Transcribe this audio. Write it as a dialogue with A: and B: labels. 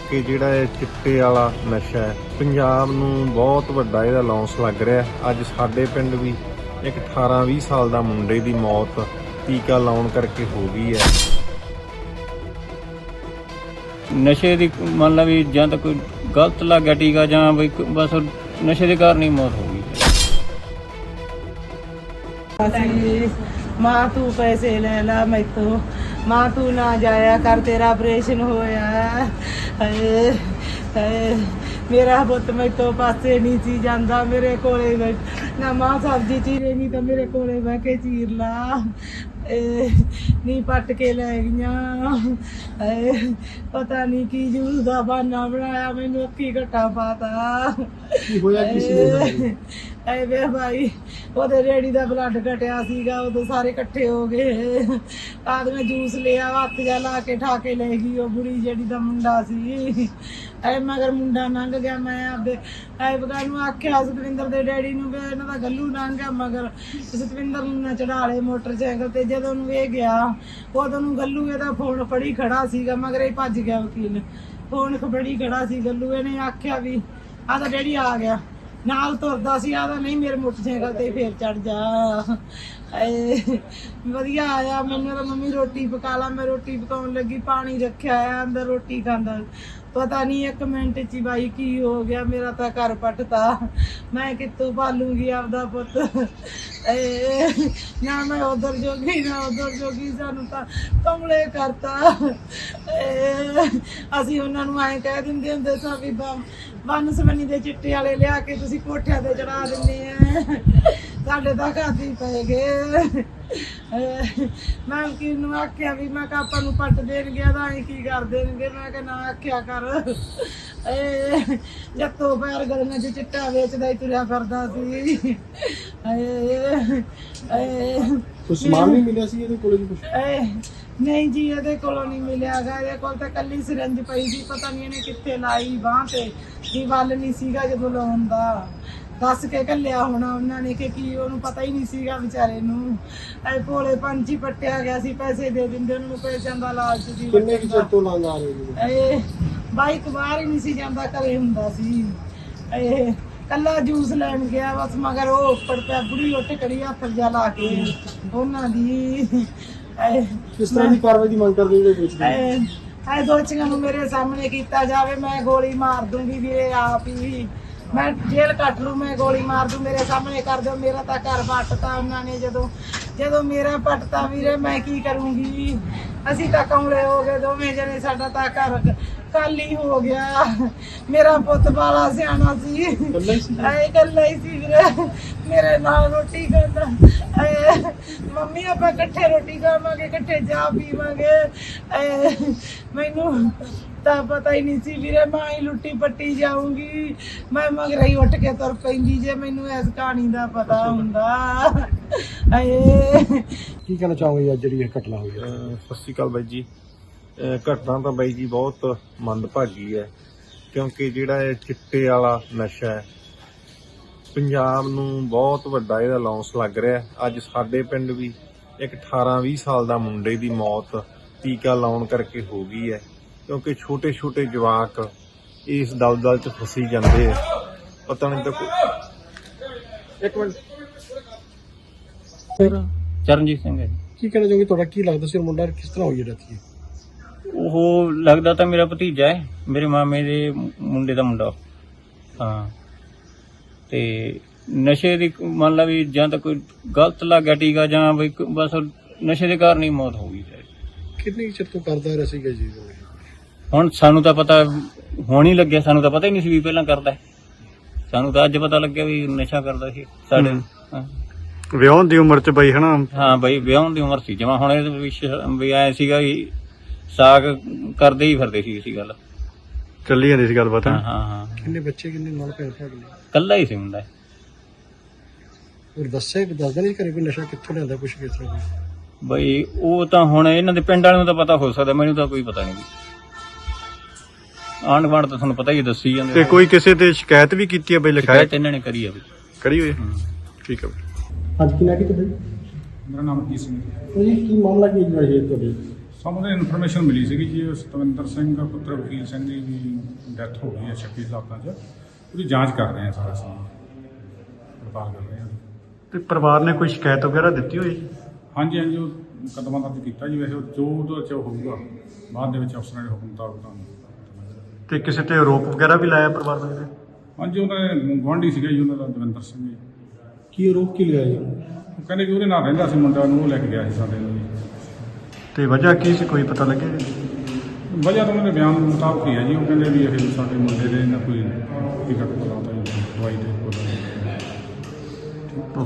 A: ਕਿਉਂਕਿ ਜਿਹੜਾ ਇਹ ਚਿੱਟੇ ਵਾਲਾ ਨਸ਼ਾ ਹੈ ਪੰਜਾਬ ਨੂੰ ਬਹੁਤ ਵੱਡਾ ਇਹਦਾ ਲੌਂਸ ਲੱਗ ਰਿਹਾ। ਅੱਜ ਸਾਡੇ ਪਿੰਡ ਵੀ ਇੱਕ 18-20 ਸਾਲ ਦਾ ਮੁੰਡੇ ਦੀ ਮੌਤ ਟੀਕਾ ਲਾਉਣ ਕਰਕੇ ਹੋ ਗਈ ਹੈ।
B: ਨਸ਼ੇ ਦੀ ਮੰਨ ਲਾ ਵੀ ਜਾਂ ਤਾਂ ਕੋਈ ਗਲਤ ਲੱਗ ਗਿਆ ਟੀਕਾ ਜਾਂ ਵੀ ਬਸ ਨਸ਼ੇ ਦੇ ਕਾਰਨ ਹੀ ਮੌਤ ਹੋ ਗਈ।
C: माँ तू पैसे ले ला मैं तो माँ तू ना जाया कर तेरा ऑपरेशन होया मेरा पुत मैं तो पासे नहीं सी जाता मेरे कोले ना माँ सब्जी चीरे नहीं तो मेरे कोले बह के चीर ला नहीं पट के ले गई पता नहीं की जूस का बहाना बनाया मैनू अक्की घट्टा पाता ਵੇ ਭਾਈ ਉਹਦੇ ਰੇੜੀ ਦਾ ਬਲੱਡ ਘਟਿਆ ਸੀਗਾ ਉਦੋਂ ਸਾਰੇ ਇਕੱਠੇ ਹੋ ਗਏ ਆਦਮੀ ਜੂਸ ਲਿਆ ਹੱਥ ਜਾ ਲਾ ਕੇ ਠਾ ਕੇ ਲੈ ਗਈ ਉਹ ਬੁੜੀ ਜਿਹੜੀ ਦਾ ਮੁੰਡਾ ਸੀ ਐ ਮਗਰ ਮੁੰਡਾ ਲੰਘ ਗਿਆ। ਮੈਂ ਆਪਦੇ ਐ ਬਗਾ ਨੂੰ ਆਖਿਆ ਸਤਵਿੰਦਰ ਦੇ ਡੈਡੀ ਨੂੰ ਵੀ ਇਹਨਾਂ ਦਾ ਗੱਲੂ ਲੰਘ ਗਿਆ ਮਗਰ ਸਤਵਿੰਦਰ ਨੂੰ ਨਾ ਚੜਾ ਲਏ ਮੋਟਰਸਾਈਕਲ ਤੇ। ਜਦੋਂ ਨੂੰ ਇਹ ਗਿਆ ਉਦੋਂ ਨੂੰ ਗੱਲੂ ਇਹਦਾ ਫੋਨ ਫੜੀ ਖੜਾ ਸੀਗਾ ਮਗਰ ਇਹ ਭੱਜ ਗਿਆ ਵਕੀਲ ਫੋਨ ਫੜੀ ਖੜਾ ਸੀ ਗੱਲੂ। ਇਹਨੇ ਆਖਿਆ ਵੀ ਆਹ ਤਾਂ ਡੈਡੀ ਆ ਗਿਆ ਨਾਲ ਤੁਰਦਾ ਸੀ ਆਦਾ ਨਹੀਂ ਮੇਰੇ ਮੋਟਰਸਾਈਕਲ ਤੇ ਫੇਰ ਚੜ ਜਾ ਵਧੀਆ ਆਇਆ। ਮੈਨੂੰ ਤਾਂ ਮੰਮੀ ਰੋਟੀ ਪਕਾ ਲਾ ਮੈਂ ਰੋਟੀ ਪਕਾਉਣ ਲੱਗੀ ਪਾਣੀ ਰੱਖਿਆ ਆ ਅੰਦਰ ਰੋਟੀ ਖਾਂਦਾ ਪਤਾ ਨਹੀਂ 1 ਮਿੰਟ ਚ ਬਾਈ ਕੀ ਹੋ ਗਿਆ ਮੇਰਾ ਤਾਂ ਘਰ ਪੱਟਤਾ ਮੈਂ ਕਿੱਥੋਂ ਪਾਲੂਗੀ ਆਪਦਾ ਪੁੱਤ ਨਾ ਮੈਂ ਉਧਰ ਜੋਗੀ ਨਾ ਉਧਰ ਜੋਗੀ ਸਾਨੂੰ ਤਾਂ ਕਮਲੇ ਕਰਤਾ। ਅਸੀਂ ਉਹਨਾਂ ਨੂੰ ਐਂ ਕਹਿ ਦਿੰਦੇ ਹੁੰਦੇ ਸਾਂ ਵੀ ਬੰਨ ਸਵੰਨੀ ਦੇ ਚਿੱਟੇ ਵਾਲੇ ਲਿਆ ਕੇ ਤੁਸੀਂ ਕੋਠਿਆਂ ਤੇ ਚੜਾ ਦਿੰਦੇ ਆ ਸਾਡੇ ਤਾਂ ਖਾਤੀ ਪੈ ਗਏ। ਮੈਂ ਵਕੀਲ ਨੂੰ ਆਖਿਆ ਵੀ ਮੈਂ ਕਿਹਾ ਆਪਾਂ ਨੂੰ ਪੱਟ ਦੇਣਗੇ ਤਾਂ ਅਸੀਂ ਕੀ ਕਰ ਦੇਣਗੇ ਮੈਂ ਕਿਹਾ ਨਾ ਆਖਿਆ ਕਰ ਜੱਤੋਂ ਪੈਰ ਗਲੀਆਂ 'ਚ ਚਿੱਟਾ ਵੇਚਦਾ ਹੀ ਤੁਰਿਆ ਫਿਰਦਾ ਸੀ।
D: ਕੁਛ ਸਮਾਨ ਨਹੀਂ ਮਿਲਿਆ ਸੀ ਇਹਦੇ ਕੋਲ ਜੀ ਕੁਛ?
C: ਨਹੀਂ ਜੀ ਇਹਦੇ ਕੋਲੋਂ ਨਹੀਂ ਮਿਲਿਆਗਾ ਇਹਦੇ ਕੋਲ ਤਾਂ ਕੱਲੀ ਸਿਰੰਜ ਪਈ ਸੀ ਪਤਾ ਨਹੀਂ ਇਹਨੇ ਕਿੱਥੇ ਲਾਈ ਬਾਂਹ ਤੇ ਜੀ ਵੱਲ ਨਹੀਂ ਸੀਗਾ ਜਦੋਂ ਲਾਉਣ ਦਾ ਦੱਸ ਕੇ ਘੱਲਿਆ ਹੋਣਾ ਉਹਨਾਂ ਨੇ ਕਿ ਕੀ ਉਹਨੂੰ ਪਤਾ ਹੀ ਨਹੀਂ ਸੀਗਾ ਵਿਚਾਰੇ ਨੂੰ ਐ ਭੋਲੇ ਪੰਛੀ ਪੱਟਿਆ ਗਿਆ ਸੀ ਪੈਸੇ ਦੇ ਦਿੰਦੇ ਉਹਨਾਂ ਨੂੰ ਪੈਸਿਆਂ ਦਾ ਲਾਲਚ ਸੀ।
D: ਕਿੰਨੇ ਕਿ ਚਿਰ ਤੋਂ ਲਾਉਂਦਾ ਆ ਰਹੇ
C: ਇਹ ਬਾਈਕ ਬਾਹਰ ਹੀ ਨਹੀਂ ਸੀ ਜਾਂਦਾ ਘਰੇ ਹੁੰਦਾ ਸੀ। ਇਹ ਕੱਲਾ ਜੂਸ ਲੈਣ ਗਿਆ ਬਸ ਮਗਰ ਉਹ ਉੱਪਰ ਪਿਆ ਬੁੜੀ ਉੱਠ ਕਰੀ ਹੱਥ ਜਾ ਲਾ ਕੇ ਉਹਨਾਂ ਦੀ
D: ਕਿਸ ਤਰ੍ਹਾਂ ਦੀ ਕਾਰਵਾਈ ਦੀ ਮੰਗ ਕਰਦੇ ਜਿਹੜੇ ਵੇਚਦੇ
C: ਐ ਦੋਚੀਆਂ ਨੂੰ ਮੇਰੇ ਸਾਹਮਣੇ ਕੀਤਾ ਜਾਵੇ ਮੈਂ ਗੋਲੀ ਮਾਰ ਦੂੰਗੀ ਵੀਰੇ ਆਪ ਹੀ ਮੈਂ ਜੇਲ੍ਹ ਕੱਟ ਲੂ ਮੈਂ ਗੋਲੀ ਮਾਰ ਦੂੰ ਮੇਰੇ ਸਾਹਮਣੇ ਕਰ ਦਿਓ ਮੇਰਾ ਤਾਂ ਘਰ ਪੱਟਤਾ ਉਹਨਾਂ ਨੇ ਜਦੋਂ ਮੇਰਾ ਪੱਟਤਾ ਵੀਰੇ ਮੈਂ ਕੀ ਕਰੂੰਗੀ। ਅਸੀਂ ਤਾਂ ਕਮਲੇ ਹੋ ਗਏ ਦੋਵੇਂ ਜਣੇ ਸਾਡਾ ਤਾਂ ਘਰ ਖਾਲੀ ਹੋ ਗਿਆ। ਮੇਰਾ ਪੁੱਤ ਬਾਲਾ ਸਿਆਣਾ ਸੀ ਇਕੱਲਾ ਹੀ ਸੀ ਵੀਰੇ ਮੇਰੇ ਨਾਲ ਰੋਟੀ ਖਾਂਦਾ ਮੰਮੀ ਆਪਾਂ ਇਕੱਠੇ ਰੋਟੀ ਖਾਵਾਂਗੇ ਇਕੱਠੇ ਚਾਹ ਪੀਵਾਂਗੇ ਮੈਨੂੰ ਤਾਂ ਪਤਾ ਹੀ ਨਹੀਂ ਸੀ ਵੀਰੇ ਮੈਂ ਹੀ ਲੁੱਟੀ ਪੱਟੀ ਜਾਊਂਗੀ ਮੈਂ ਮਗਰ ਹੀ ਉੱਠ ਕੇ ਤੁਰ ਪੈਂਦੀ ਜੇ ਮੈਨੂੰ ਇਸ ਕਹਾਣੀ ਦਾ ਪਤਾ ਹੁੰਦਾ।
D: ਕੀ ਕਹਿਣਾ ਚਾਹੋਗੇ ਅੱਜ ਜਿਹੜੀ ਇਹ ਘਟਨਾ ਹੋਈ ਹੈ?
A: ਸਤਿ ਸ਼੍ਰੀ ਅਕਾਲ ਬਾਈ ਜੀ। ਘਟਨਾ ਤਾਂ ਬਾਈ ਜੀ ਬਹੁਤ ਮੰਦਭਾਗੀ ਹੈ ਕਿਉਂਕਿ ਜਿਹੜਾ ਇਹ ਚਿੱਟੇ ਵਾਲਾ ਨਸ਼ਾ ਹੈ ਪੰਜਾਬ ਨੂੰ ਬਹੁਤ ਵੱਡਾ ਇਹਦਾ ਲੌਂਸ ਲੱਗ ਰਿਹਾ। ਅੱਜ ਸਾਡੇ ਪਿੰਡ ਵੀ ਇੱਕ 18-20 ਸਾਲ ਦਾ ਮੁੰਡੇ ਦੀ ਮੌਤ ਟੀਕਾ ਲਾਉਣ ਕਰਕੇ ਹੋ ਗਈ ਹੈ ਕਿਉਂਕਿ ਛੋਟੇ ਜਵਾਕ ਇਸ ਦਲਦਲ 'ਚ ਫਸੀ ਜਾਂਦੇ ਆ ਪਤਾ ਨਹੀਂ ਤਾਂ ਕੋਈ। 1 ਮਿੰਟ
B: ਚਰਨਜੀਤ ਸਿੰਘ ਹੈ ਜੀ।
D: ਕੀ ਕਹਿਣਾ ਚਾਹੋਗੇ ਤੁਹਾਡਾ ਕੀ ਲੱਗਦਾ ਸੀ ਮੁੰਡਾ ਕਿਸ ਤਰ੍ਹਾਂ ਹੋਈ ਡੈਥ?
B: ਉਹ ਲੱਗਦਾ ਤਾਂ ਮੇਰਾ ਭਤੀਜਾ ਹੈ ਮੇਰੇ ਮਾਮੇ ਦੇ ਮੁੰਡੇ ਦਾ ਮੁੰਡਾ। ਹਾਂ ਤੇ ਨਸ਼ੇ ਦੀ ਮੰਨ ਲਾ ਵੀ ਜਾਂ ਤਾਂ ਕੋਈ ਗਲਤ ਲੱਗ ਗਿਆ ਟੀਕਾ ਜਾਂ ਵੀ ਬਸ ਨਸ਼ੇ ਦੇ ਕਾਰਨ ਹੀ ਮੌਤ ਹੋ ਗਈ।
D: ਕਿੰਨੇ ਚਿਰ ਤੋਂ ਕਰਦਾ ਰਿਹਾ ਸੀਗਾ ਜੀ?
B: ਹੁਣ ਸਾਨੂੰ ਤਾਂ ਪਤਾ ਹੁਣ ਹੀ ਲੱਗਿਆ ਸਾਨੂੰ ਤਾਂ ਪਤਾ ਹੀ ਨਹੀਂ ਸੀ ਵੀ ਪਹਿਲਾਂ ਕਰਦਾ ਸਾਨੂੰ ਤਾਂ ਅੱਜ ਪਤਾ ਲੱਗਿਆ ਵੀ ਨਸ਼ਾ ਕਰਦਾ ਸੀ ਸਾਡੇ।
D: ਵਿਆਹ ਦੀ ਉਮਰ ਚ ਬਈ ਹਨਾ?
B: ਹਾਂ ਬਈ ਵਿਆਹ ਦੀ ਉਮਰ ਸੀ ਜਮਾ ਹੁਣ ਇਹਦੇ ਵੀ ਆਇਆ ਸੀਗਾ ਵੀ ਸਾਗ ਕਰਦੇ ਹੀ ਫਿਰਦੇ ਸੀ ਇਸੀ ਗੱਲ
D: ਚੱਲੀ ਜਾਂਦੀ ਸੀ ਗੱਲਬਾਤ।
B: ਹਾਂ
D: ਕਿੰਨੇ ਬੱਚੇ ਕਿੰਨੇ ਨਾਲ ਭੈਣ ਭਰਾ?
B: ਕੱਲਾ ਹੀ ਸੀ ਮੁੰਡਾ।
D: ਹੋਰ ਦੱਸਦਾ ਨਹੀਂ ਘਰੇ ਕੋਈ ਨਸ਼ਾ ਕਿੱਥੋਂ ਲਿਆਂਦਾ ਕੁਛ ਕਿਸ ਤਰ੍ਹਾਂ?
B: ਬਈ ਉਹ ਤਾਂ ਹੁਣ ਇਹਨਾਂ ਦੇ ਪਿੰਡ ਵਾਲਿਆਂ ਨੂੰ ਤਾਂ ਪਤਾ ਹੋ ਸਕਦਾ ਮੈਨੂੰ ਤਾਂ ਕੋਈ ਪਤਾ ਨਹੀਂ। ਆਂਢ ਗੁਆਂਢ ਤਾਂ ਤੁਹਾਨੂੰ ਪਤਾ ਹੀ ਦੱਸੀ ਜਾਂਦੇ।
D: ਤੇ ਕੋਈ ਕਿਸੇ ਤੇ ਸ਼ਿਕਾਇਤ ਵੀ ਕੀਤੀ ਹੈ ਬਈ? ਲਿਖਾਇਆ
B: ਇਹਨਾਂ ਨੇ ਕਰੀ ਆ ਬਈ
D: ਕਰੀ ਹੋਈ? ਠੀਕ ਹੈ। ਅੱਜ ਕੀ ਲੱਗੀ ਤੇ ਬਈ?
E: ਮੇਰਾ ਨਾਮ ਕੀ ਸਿੰਘ
D: ਜੀ ਕੀ ਮਾਮਲਾ ਕੀ ਹੈ ਤੁਹਾਡੇ?
E: ਸਾਨੂੰ ਤਾਂ ਇਨਫੋਰਮੇਸ਼ਨ ਮਿਲੀ ਸੀਗੀ ਜੀ ਸਤਵਿੰਦਰ ਸਿੰਘ ਪੁੱਤਰ ਵਕੀਲ ਸਿੰਘ ਦੀ ਵੀ ਡੈਥ ਹੋ ਗਈ ਹੈ 26 ਹਾਲਾਤਾਂ 'ਚ। ਉਹਦੀ ਜਾਂਚ ਕਰ ਰਹੇ ਹਾਂ ਸਾਰਾ ਅਸੀਂ ਪੜਤਾਲ ਕਰ ਰਹੇ ਹਾਂ।
F: ਤੇ ਪਰਿਵਾਰ ਨੇ ਕੋਈ ਸ਼ਿਕਾਇਤ ਵਗੈਰਾ ਦਿੱਤੀ ਹੋਈ?
E: ਹਾਂਜੀ ਹਾਂਜੀ, ਉਹ ਮੁਕੱਦਮਾ ਦਰਜ ਕੀਤਾ ਜੀ। ਵੈਸੇ ਜੋ ਉਹਦੇ 'ਚ ਹੋਊਗਾ ਬਾਅਦ ਦੇ ਵਿੱਚ ਅਫਸਰਾਂ ਦੇ ਹੁਕਮ ਮੁਤਾਬਕ ਤੁਹਾਨੂੰ।
F: ਤੇ ਕਿਸੇ ਤੇ ਆਰੋਪ ਵਗੈਰਾ ਵੀ ਲਾਇਆ ਪਰਿਵਾਰ ਵਾਲੇ ਨੇ?
E: ਹਾਂਜੀ, ਉਹਦਾ ਗੁਆਂਢੀ ਸੀਗਾ ਜੀ ਉਹਨਾਂ ਦਾ ਦਵਿੰਦਰ ਸਿੰਘ ਜੀ।
D: ਕੀ ਆਰੋਪ ਕੀ ਲਗਾਇਆ ਜੀ?
E: ਉਹ ਕਹਿੰਦੇ ਵੀ ਉਹਦੇ ਨਾਲ ਰਹਿੰਦਾ ਸੀ ਮੁੰਡਾ ਨੂੰ, ਉਹ ਲੈ ਕੇ ਗਿਆ ਸੀ ਸਾਡੇ ਨੂੰ ਜੀ।
F: ਤੇ ਵਜ੍ਹਾ ਕੀ ਸੀ, ਕੋਈ ਪਤਾ ਲੱਗਿਆ ਜੀ?
E: ਵਜ੍ਹਾ ਤਾਂ ਉਹਨਾਂ ਦੇ ਬਿਆਨ ਮੁਤਾਬਕ ਹੀ ਹੈ ਜੀ। ਉਹ ਕਹਿੰਦੇ ਵੀ ਇਹ ਸਾਡੇ ਮੁੰਡੇ ਦੇ ਨਾ ਕੋਈ ਟਿਕਟ ਪਲਾਤਾ ਜੀ ਦਵਾਈ ਦੇ ਕੋਲ।